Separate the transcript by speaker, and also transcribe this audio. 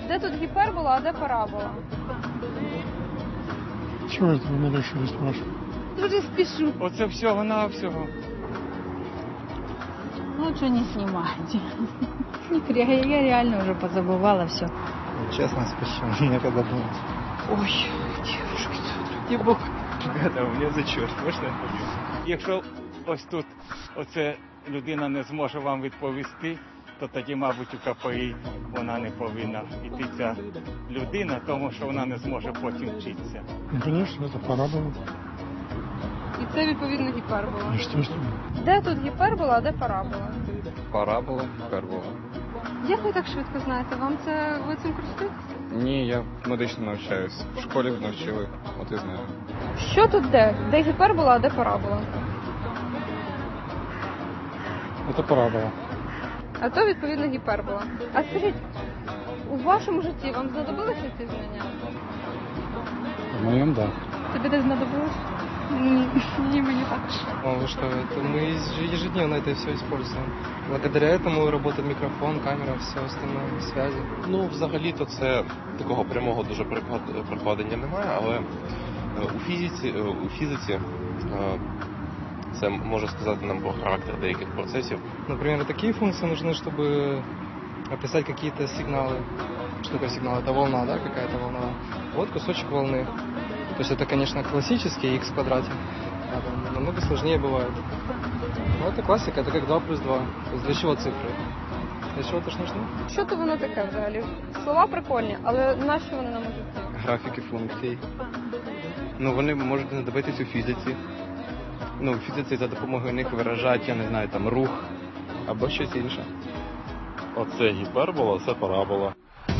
Speaker 1: Де тут гіпербола, а де парабола?
Speaker 2: Чего это вы меня решили спрашивать?
Speaker 1: Дуже спішу.
Speaker 3: Оце всього-навсього.
Speaker 4: Лучше не снимайте. Я реально уже позабывала все.
Speaker 5: Честно, спешу, некогда думать.
Speaker 3: Ой, девушки, ради Бога. Ребята, у мене зачет, можна я повім? Якщо ось тут оце людина не зможе вам відповісти, то тоді, мабуть, у КПІ вона не повинна йти ця людина, тому що вона не зможе потім вчитися.
Speaker 2: Ну, конечно, это парабола.
Speaker 1: І це, відповідно, гіпербола.
Speaker 2: Естественно.
Speaker 1: Де тут гіпербола, а де парабола?
Speaker 6: Парабола, гіпербола.
Speaker 1: Як ви так швидко знаєте? Ви цим користуєтеся?
Speaker 6: Ні, я медично навчаюсь. В школі навчили, от і знаю.
Speaker 1: Що тут де? Де гіпербола, а де парабола?
Speaker 2: Это парабола.
Speaker 1: А то, відповідно, гіпербола. А скажіть, у вашому житті вам знадобилися ці знання?
Speaker 2: В моем, да.
Speaker 1: Тобі не знадобилось? Ні, мені також.
Speaker 7: Вы что, это мы ежедневно это все используем. Благодаря этому работает микрофон, камера, все остальное, связи.
Speaker 8: Ну, взагалі-то це такого прямого дуже прикладення немає, але у фізиці це може сказати нам про характер деяких процесів.
Speaker 7: Например, такие функции нужны, чтобы описать какие-то сигналы. Что такое сигнал? Это волна, да, какая-то волна. Вот кусочек волны. То есть это, конечно, классический x в квадрате. А там намного сложнее бывает. Но это классика, это как 2 плюс 2. То есть для чего цифры? Для чего это ж нужно?
Speaker 1: Що то воно таке взагалі? Слова прикольні, але нащо вони нам у житті?
Speaker 6: Графіки функцій. Ну, вони можуть знадобитись у фізиці. Ну, в фізиці за допомогою них виражають, я не знаю, там рух або щось інше.
Speaker 8: Оце гіпербола, це парабола.